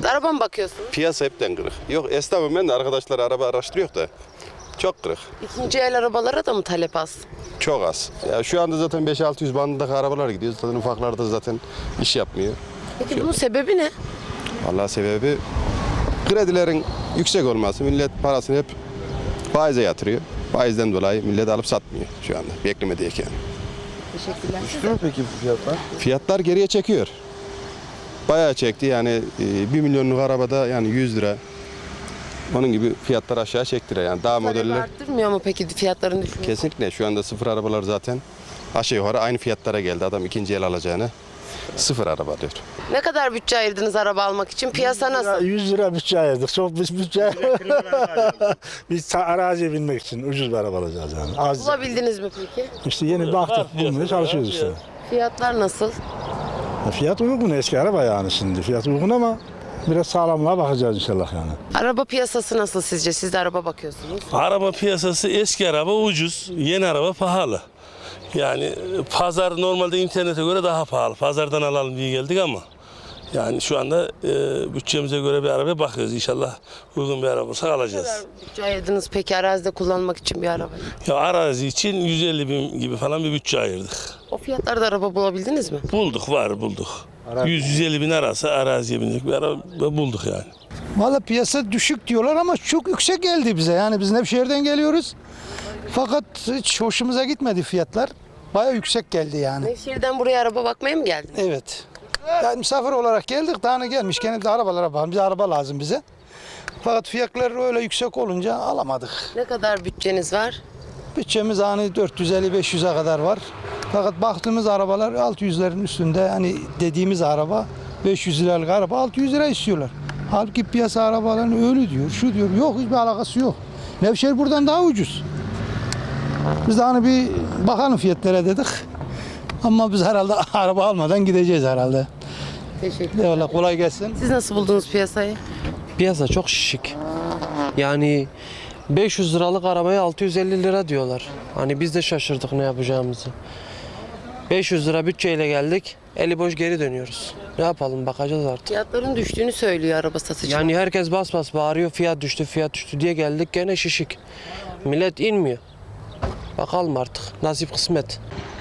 Siz araba mı bakıyorsunuz? Piyasa hepten kırık. Yok esnafım ben de arkadaşlar araba araştırıyor da çok kırık. İkinci el arabalara da mı talep az? Çok az. Ya şu anda zaten 5-600 bandındaki arabalar gidiyor. Zaten ufaklarda zaten iş yapmıyor. Peki bunun sebebi ne? Vallahi sebebi kredilerin yüksek olması. Millet parasını hep faize yatırıyor. Faizden dolayı millet alıp satmıyor şu anda. Beklemediyken. Teşekkürler. Düştü mü peki bu fiyatlar? Fiyatlar geriye çekiyor. Bayağı çekti yani 1 milyonluk arabada yani 100 lira. Onun gibi fiyatlar aşağı çektiriyor yani daha Talebi modeller. arttırmıyor mu peki fiyatların düşmesi? Kesinlikle şu anda sıfır arabalar zaten aşağı yukarı aynı fiyatlara geldi. Adam ikinci el alacağını sıfır araba diyor. Ne kadar bütçe ayırdınız araba almak için? Piyasa nasıl? 100 lira bütçe ayırdık. Çok biz bütçe. Biz araziye binmek için ucuz bir araba alacağız yani. Az. Bulabildiniz mi peki? İşte yeni baktık bulmaya çalışıyoruz işte. Fiyatlar nasıl? Fiyat uygun eski araba yani şimdi. Fiyat uygun ama biraz sağlamlığa bakacağız inşallah yani. Araba piyasası nasıl sizce? Siz de araba bakıyorsunuz. Araba piyasası eski araba ucuz, yeni araba pahalı. Yani pazar normalde internete göre daha pahalı. Pazardan alalım diye geldik ama yani şu anda bütçemize göre bir arabaya bakıyoruz. İnşallah uygun bir araba olsa Ne alacağız. kadar bütçe ayırdınız peki arazide kullanmak için bir araba? Ya arazi için 150 bin gibi falan bir bütçe ayırdık. O fiyatlarda araba bulabildiniz mi? Bulduk, bulduk. 100-150 bin arası araziye binecek bir araba bulduk yani. Valla piyasa düşük diyorlar ama çok yüksek geldi bize. Yani biz Nevşehir'den geliyoruz. Fakat hiç hoşumuza gitmedi fiyatlar. Baya yüksek geldi yani. Nevşehir'den buraya araba bakmaya mı geldiniz? Evet. Yani misafir olarak geldik. Daha ne gelmişken de arabalara bakalım. Bize araba lazım bize. Fakat fiyatlar öyle yüksek olunca alamadık. Ne kadar bütçeniz var? Bütçemiz hani 450-500'e kadar var. Fakat baktığımız arabalar 600'lerin üstünde. Hani dediğimiz araba 500 liralık araba 600 lira istiyorlar. Halbuki piyasa arabaların öyle diyor, şu diyor. Yok, hiçbir alakası yok. Nevşehir buradan daha ucuz. Biz de hani bir bakalım fiyatlara dedik. Ama biz herhalde araba almadan gideceğiz herhalde. Teşekkür. Eyvallah, kolay gelsin. Siz nasıl buldunuz piyasayı? Piyasa çok şişik. Yani 500 liralık arabaya 650 lira diyorlar. Hani biz de şaşırdık ne yapacağımızı. 500 lira bütçeyle geldik, eli boş geri dönüyoruz. Ne yapalım, bakacağız artık. Fiyatların düştüğünü söylüyor araba satıcı. Yani herkes bas bas bağırıyor, fiyat düştü diye geldik, gene şişik. Millet inmiyor. Bakalım artık, nasip kısmet.